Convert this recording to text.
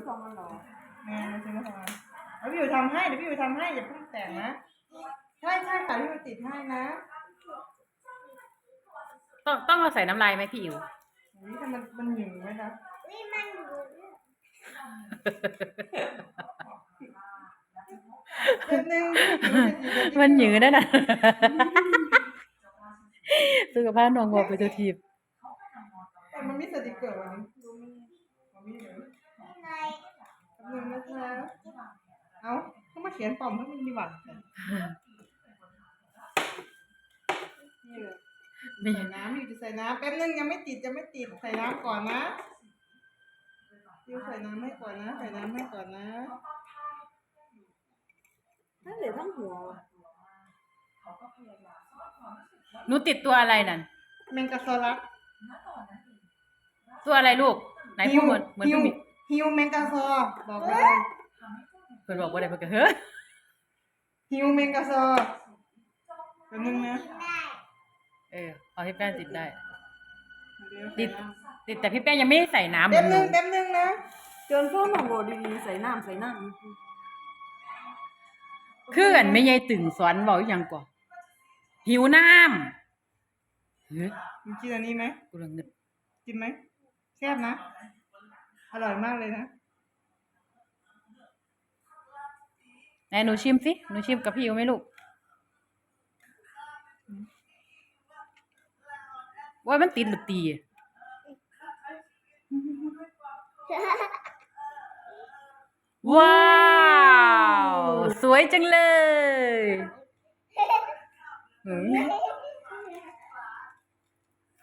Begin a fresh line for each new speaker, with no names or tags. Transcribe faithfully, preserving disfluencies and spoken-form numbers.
ของมันหรอ
แม่มาซื้อมาทำไมแล้วพี่อยู่ทำให้เดี๋ยวพี่อยู่ทำให้อย่าเพิ่งแต่งนะใช่ใช่ค่ะพี่อยู่ติดให้นะ
ต้องต้องเราใส่น้ำลายไหมพี่อิ๋ว
นี่ทำมันมันหยิ่งไหมคะ
นี่มันหยุ
ดนึง
มันหยืดได้นะสุขภาพน้องบอกไปตัวทีบ
มันมีสติกเกอร์วันนี้มันมีเลยหนึ่งนะคะเอาเขามาเขียนปอมให้มันมีหวัดนี่ใส่น้ำอยู่จะใส่น้ำแป๊บนึงยังไม่ติดยังไม่ติดใส่น้ำก่อนนะยูใส่น้ำให้ก่อนนะใส่น้ำให้ก่อนนะ
นั่นเหลือทั้งหัว
หนูติดตัวอะไรนั่น
แมงกะซอรัส
ตัวอะไรลูกไหนพูดเหมือนเหมือนพี่มิ
ฮิวแมงกะซอบอกเลย
เพื่อนบอกว่าอะไรเพื่อนก็เฮ้ย
ฮิวแมงกะซอแป๊บนึงนะ
เออเอาพี่แป้งติดได้ติดติดแต่พี่แป้งยังไม่ได้ใส่น้ำเหมื
แป๊
อบนห
นึ
นู
งแป๊บนึงนะ
จนพ่อหนูบอกดีๆใส่น้ำใส่น้ำ
คือกันไม่ใหญ่ตึงสอนบอกอย่างก่อนหิวน้ำเฮ้ย
มึงกินอันนี้ไหม
กูลังนึก
กินไหมแซ่บนะอร่อยมากเลยนะ
ไหนหนูชิมสิหนูชิมกับพี่อิ๋วไหมลูกว่ามันติดหรือตีว้าวสวยจังเลย